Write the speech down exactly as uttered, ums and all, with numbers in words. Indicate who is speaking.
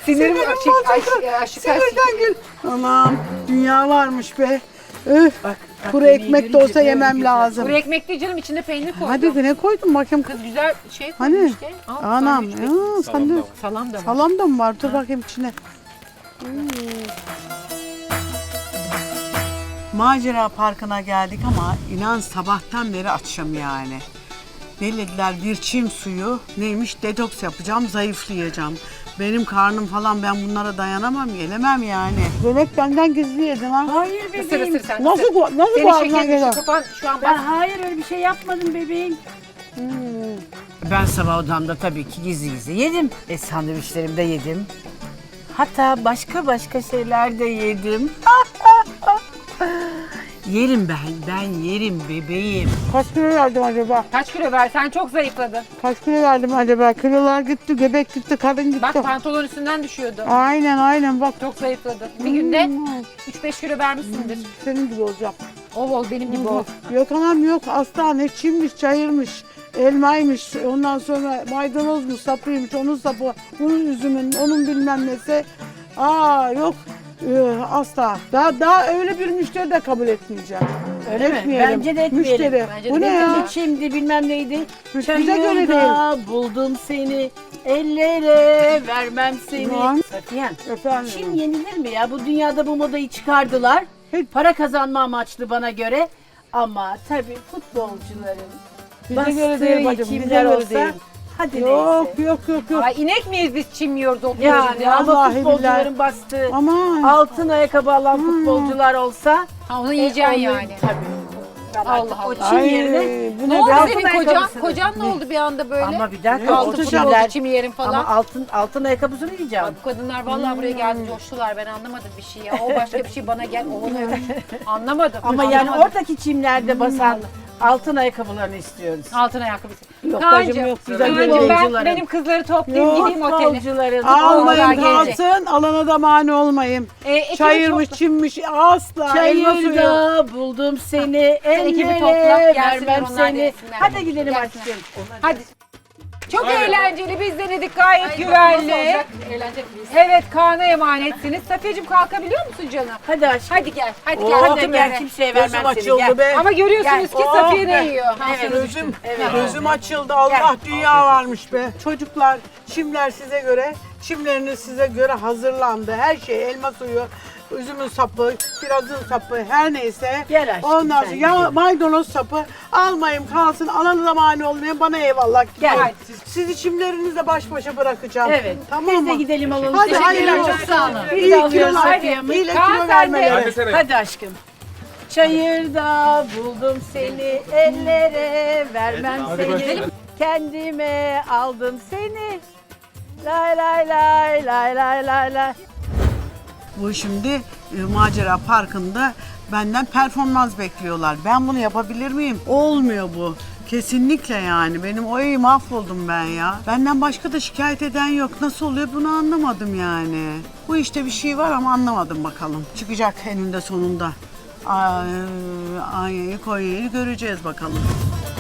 Speaker 1: Sinirim aşık, aşık, aşık,
Speaker 2: Sinirden gül. Aman dünya varmış be. Öf.
Speaker 3: Bak, bak
Speaker 2: Kuru
Speaker 3: yemeği
Speaker 2: ekmek de
Speaker 3: görünce
Speaker 2: olsa
Speaker 3: böyle
Speaker 2: yemem
Speaker 3: güzel.
Speaker 2: lazım.
Speaker 1: Kuru ekmek değil canım, içine peynir koydum.
Speaker 2: Hadi ne koydun bakayım.
Speaker 1: Kız güzel şey koymuş
Speaker 2: Hani?
Speaker 1: işte. Al,
Speaker 2: Anam.
Speaker 1: sandviç.
Speaker 2: Ya, sen de
Speaker 1: Salam da var.
Speaker 2: salam da mı var? Dur bakayım içine. Hmm. Macera Parkı'na geldik ama inan sabahtan beri açım yani. Ne dediler, bir çim suyu neymiş, detoks yapacağım, zayıflayacağım. Benim karnım falan, ben bunlara dayanamam, gelemem yani. Bebek benden gizli yedin ha.
Speaker 3: Hayır
Speaker 1: Isır
Speaker 3: bebeğim.
Speaker 1: ısır sen.
Speaker 2: Nasıl
Speaker 1: ısır.
Speaker 2: bu, nasıl bu
Speaker 1: Senin
Speaker 2: ağzına
Speaker 1: şekerin
Speaker 2: geliyor?
Speaker 1: şu kafan şu an
Speaker 3: Ben
Speaker 1: bak.
Speaker 3: hayır öyle bir şey yapmadım bebeğim. Ben sabah odamda tabii ki gizli gizli yedim. E sandviçlerimi de yedim. Hatta başka başka şeyler de yedim. Yerim ben, ben yerim bebeğim.
Speaker 2: Kaç kilo verdim acaba?
Speaker 1: Kaç kilo ver? Sen çok zayıfladın.
Speaker 2: Kaç kilo verdim acaba? Kilolar gitti, göbek gitti, karın gitti.
Speaker 1: Bak pantolon üstünden düşüyordu.
Speaker 2: Aynen aynen bak.
Speaker 1: Çok zayıfladın. Bir günde üç beş kilo vermişsindir.
Speaker 2: Senin gibi olacağım.
Speaker 1: Ol ol benim gibi ol.
Speaker 2: Yok anam yok, asla ne çimmiş, çayırmış, elmaymış, ondan sonra maydanozmuş, sapıymış, onun sapı, bunun üzümün, onun bilmem nesi. Aa yok, ee, asla. Daha daha öyle bir müşteri de kabul etmeyeceğim.
Speaker 3: Öyle mi?
Speaker 2: Etmeyelim.
Speaker 3: Bence de etmeyelim.
Speaker 2: Müşteri.
Speaker 1: Bence de
Speaker 2: Bu ne
Speaker 1: etmeyelim.
Speaker 2: ya?
Speaker 3: Şimdi bilmem neydi.
Speaker 2: Bize göre
Speaker 3: Çayırda buldum seni, ellere vermem seni.
Speaker 2: Lan.
Speaker 3: Safiyen,
Speaker 2: Efendim.
Speaker 3: Çin yenilir mi ya? Bu dünyada bu modayı çıkardılar.
Speaker 2: Hiç.
Speaker 3: Para kazanma amaçlı bana göre. Ama tabii futbolcuların
Speaker 2: Bize göre
Speaker 3: bastığı
Speaker 2: değil bacım, bize
Speaker 3: kimler
Speaker 2: göre
Speaker 3: olsa,
Speaker 2: değil.
Speaker 3: hadi
Speaker 2: Yok
Speaker 3: neyse.
Speaker 2: yok yok yok.
Speaker 1: Ay inek miyiz biz çim yiyoruz oturuyoruz
Speaker 3: Yani
Speaker 1: ya?
Speaker 3: ama
Speaker 2: Vallahi
Speaker 3: futbolcuların
Speaker 2: billahi.
Speaker 3: bastığı
Speaker 2: Aman.
Speaker 3: altın ayakkabı alan futbolcular olsa
Speaker 1: Ha, onu
Speaker 3: e,
Speaker 1: yiyeceksin
Speaker 3: onu-
Speaker 1: yani.
Speaker 3: Tabii. Ben
Speaker 1: Allah
Speaker 3: artık o
Speaker 1: Allah.
Speaker 3: Çin
Speaker 2: Ay,
Speaker 3: yerine
Speaker 2: bu
Speaker 1: Ne
Speaker 2: ne
Speaker 1: oldu
Speaker 2: be?
Speaker 3: altın
Speaker 1: senin kocan?
Speaker 3: ayakkabısını-
Speaker 1: Kocan ne oldu bir anda böyle?
Speaker 3: ama bir dakika
Speaker 2: Ne
Speaker 3: o
Speaker 1: Altın
Speaker 2: oldu?
Speaker 3: Çinler
Speaker 1: futbolcu çim yerim falan.
Speaker 3: ama altın altın ayakkabısını yiyeceğim.
Speaker 1: Ay, bu kadınlar vallahi buraya geldi coştular, ben anlamadım bir şey ya. O başka bir şey, bana gel o onu öyle. Anlamadım.
Speaker 3: Ama yani
Speaker 1: anlamadım.
Speaker 3: oradaki çimlerde basan altın ayakkabılarını istiyoruz.
Speaker 1: Altın ayakkabısı.
Speaker 3: Yok
Speaker 1: Kaan'cığım,
Speaker 3: bacım, yok. Güzel
Speaker 1: Kaan'cığım, ben
Speaker 3: futbolcuların.
Speaker 1: benim kızları toplayayım
Speaker 2: Yok,
Speaker 1: gideyim otele.
Speaker 3: Futbolcuların
Speaker 2: Almayın
Speaker 1: Onlar gelecek.
Speaker 2: kalsın, alana da mani olmayın.
Speaker 1: E, ekibi
Speaker 2: Çayırmış,
Speaker 1: topla.
Speaker 2: çimmiş, asla. Elma suyu.
Speaker 3: Çayırda buldum seni,
Speaker 1: ekibi
Speaker 3: ellere
Speaker 1: topla, gelsinler,
Speaker 3: vermem
Speaker 1: onlar
Speaker 3: seni.
Speaker 1: gelsinler.
Speaker 3: Hadi gidelim
Speaker 1: Gelsinler.
Speaker 3: aşkım.
Speaker 1: Hadi. Çok eğlenceli, biz denedik, gayet güvenli.
Speaker 4: Eğlenceli biz.
Speaker 1: Evet, Kaan'a emanetsiniz. Safiyeciğim kalkabiliyor musun canım?
Speaker 3: Hadi aşkım.
Speaker 1: Hadi gel, hadi
Speaker 2: Oo,
Speaker 1: gel.
Speaker 3: Hadi
Speaker 1: otur
Speaker 3: gel
Speaker 1: böyle.
Speaker 3: kimseye vermem
Speaker 2: Gözüm
Speaker 3: seni.
Speaker 2: açıldı
Speaker 3: Gel.
Speaker 2: be.
Speaker 1: Ama görüyorsunuz ki
Speaker 2: Oh,
Speaker 1: Safiye ne
Speaker 2: be.
Speaker 1: yiyor?
Speaker 3: Evet.
Speaker 2: Gözüm,
Speaker 3: Evet.
Speaker 2: gözüm açıldı. Allah dünya varmış be. Çocuklar, çimler size göre, çimleriniz size göre hazırlandı. Her şey, elma suyu, üzümün sapı, kirazın sapı, her neyse.
Speaker 3: Gel aşkım,
Speaker 2: Ondan
Speaker 3: sen
Speaker 2: sonra ya maydanoz sapı almayın kalsın, alana da mani olmayın, bana eyvallah.
Speaker 3: Gel.
Speaker 2: Hadi. Sizi çimlerinizle baş başa bırakacağım.
Speaker 3: Evet.
Speaker 2: Tamam
Speaker 3: Biz de
Speaker 2: mı?
Speaker 3: gidelim alalım.
Speaker 2: Hadi
Speaker 3: Teşekkürler,
Speaker 2: hayırlı
Speaker 3: çok
Speaker 2: olsun.
Speaker 3: sağ olun.
Speaker 2: İyi
Speaker 3: Biz de alıyoruz
Speaker 2: kilolar,
Speaker 3: Safiye'mi.
Speaker 2: iyi
Speaker 1: Kaan
Speaker 2: kilo
Speaker 1: sen de.
Speaker 2: vermeleri.
Speaker 3: Hadi aşkım. Çayırda buldum seni, ellere vermem seni. Kendime aldım seni. Lay lay lay lay lay lay lay.
Speaker 2: Bu şimdi e, Macera Parkı'nda benden performans bekliyorlar. Ben bunu yapabilir miyim? Olmuyor bu. Kesinlikle yani. Benim oy mahvoldum ben ya. Benden başka da şikayet eden yok. Nasıl oluyor bunu anlamadım yani. Bu işte bir şey var ama anlamadım bakalım. Çıkacak eninde sonunda. Ay, Anya'yı Konya'yı göreceğiz bakalım.